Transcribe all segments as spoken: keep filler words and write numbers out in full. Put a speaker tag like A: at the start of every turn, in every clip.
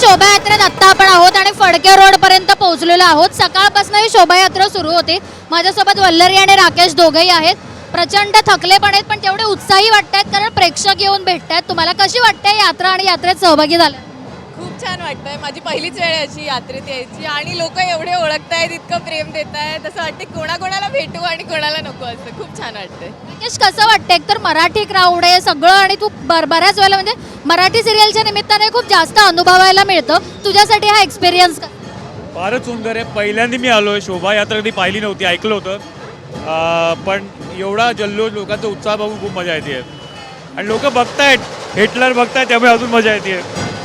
A: शोभायात्रेत आत्ता आपण आहोत आणि फडके रोड पर्यंत पोहोचलेलो आहोत. सकाळपासून ही शोभायात्रा सुरू होते. माझ्यासोबत वल्लरी आणि राकेश दोघेही आहेत. प्रचंड थकले पण आहेत, पण तेवढे उत्साही वाटतात कारण प्रेक्षक येऊन भेटतात. तुम्हाला कशी वाटते यात्रा आणि यात्रेत सहभागी झाला?
B: खूप छान वाटतंय. माझी पहिलीच वेळ आहे अशी यात्रेत यायची आणि लोक एवढे ओळखतायत, इतकं प्रेम देत आहेत, असं वाटते कोणाकोणाला भेटू आणि कोणाला नको असं. खूप छान वाटतंय.
A: राकेश, कसं वाटतं? एकतर मराठी क्राऊड आहे सगळं आणि तू बर बऱ्याच वेळेला म्हणजे मराठी सिरियलच्या निमित्ताने खूप जास्त अनुभवायला मिळतं. तुझ्यासाठी हा एक्सपिरियन्स का?
C: फारच सुंदर आहे. पहिल्यांदा मी आलो आहे. शोभायात्रा कधी पाहिली नव्हती, ऐकलं होतं, अं, पण एवढा जल्लोष, लोकांचा उत्साह बघून खूप मजा येते आणि लोक बघतायत, हिटलर बघतायत, त्यामुळे अजून मजा येते.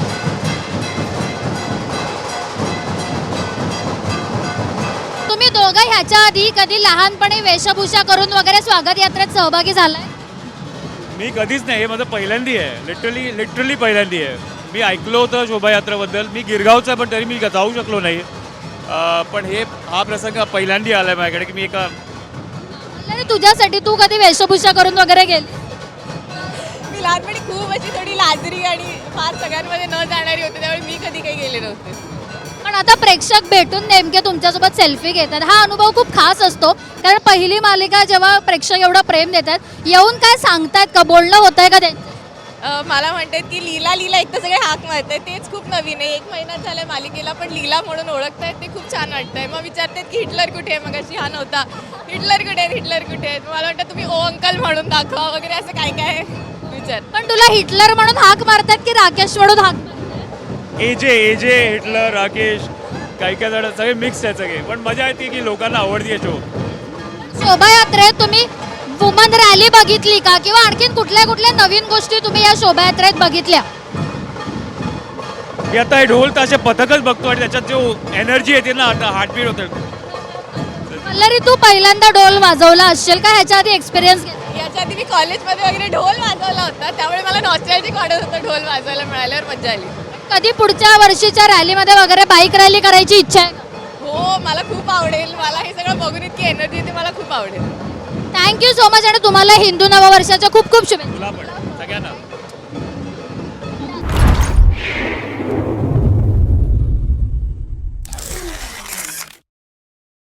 A: तुम्ही दोघं ह्याच्या आधी कधी लहानपणी वेशभूषा करून वगैरे स्वागत यात्रेत सहभागी झालाय?
C: मी कधीच नाही, हे माझं पहिल्यांदी आहे. लिटरली लिटरली पहिल्यांदी आहे. मी ऐकलं होतं शोभायात्रेबद्दल. मी गिरगावचा, पण तरी मी जाऊ शकलो नाही. अं, पण हे हा प्रसंग पहिल्यांदी आला आहे माझ्याकडे की मी एका.
A: आणि तुझ्यासाठी तू कधी वेशभूषा करून वगैरे गेली?
B: मी लहानपणी खूप अशी थोडी लाजरी आणि फार सगळ्यांमध्ये न जाणारी होते, त्यामुळे मी कधी काही गेले नव्हते.
A: पण आता प्रेक्षक भेटून नेमके तुमच्यासोबत सेल्फी घेतात, हा अनुभव खूप खास असतो. कारण पहिली मालिका जेव्हा प्रेक्षक एवढं प्रेम देतात, येऊन काय सांगतायत का, बोलणं होत आहे का त्यांचं?
B: अं, मला म्हणतात की लीला लीला, एक तर सगळे हाक मारतायत, तेच खूप नवीन आहे. एक महिना झाला मालिकेला, पण लीला म्हणून ओळखतायत, ते खूप छान वाटतंय. मग विचारतात की हिटलर कुठे आहे, मग अशी हा नव्हता, हिटलर कुठे आहेत, हिटलर कुठे आहेत. मला वाटतं तुम्ही ओ अंकल म्हणून दाखवा वगैरे, असं काय काय विचार.
A: पण तुला हिटलर म्हणून हाक मारतात की राकेश म्हणून हाक मारतात?
C: एजे एजे हिटलर, राकेश, काही काही जण सगळे मिक्स आहेत सगळे, पण मजा येते की लोकांना आवडते शो.
A: शोभायात्रेत तुम्ही वुमन रॅली बघितली का, किंवा आणखीन कुठल्या कुठल्या नवीन गोष्टी तुम्ही या शोभायात्रेत बघितल्या?
C: मी आता हे ढोल ताशे पथकच बघतो आणि त्याच्यात जो एनर्जी येते ना, आता हार्टबीट होतं.
A: वल्लरी, तू पहिल्यांदा ढोल वाजवला असेल का, ह्याच्या आधी एक्सपिरियन्स घेतला?
B: याच्या आधी मी कॉलेजमध्ये वगैरे ढोल वाजवला होता, त्यामुळे मला नॉस्टॅल्जिक वाटत होतं. ढोल वाजवायला मिळाल्यावर मजा आली.
A: कधी पुढच्या वर्षीच्या रॅलीमध्ये वगैरे बाईक रॅली करायची इच्छा आहे का?
B: हो, मला खूप आवडेल. मला हे सगळं बघून इतकी एनर्जी येते, मला खूप आवडेल.
A: थँक्यू सो मच आणि तुम्हाला हिंदू नववर्षाच्या खूप खूप शुभेच्छा.
C: तुला पण सगळ्यांना.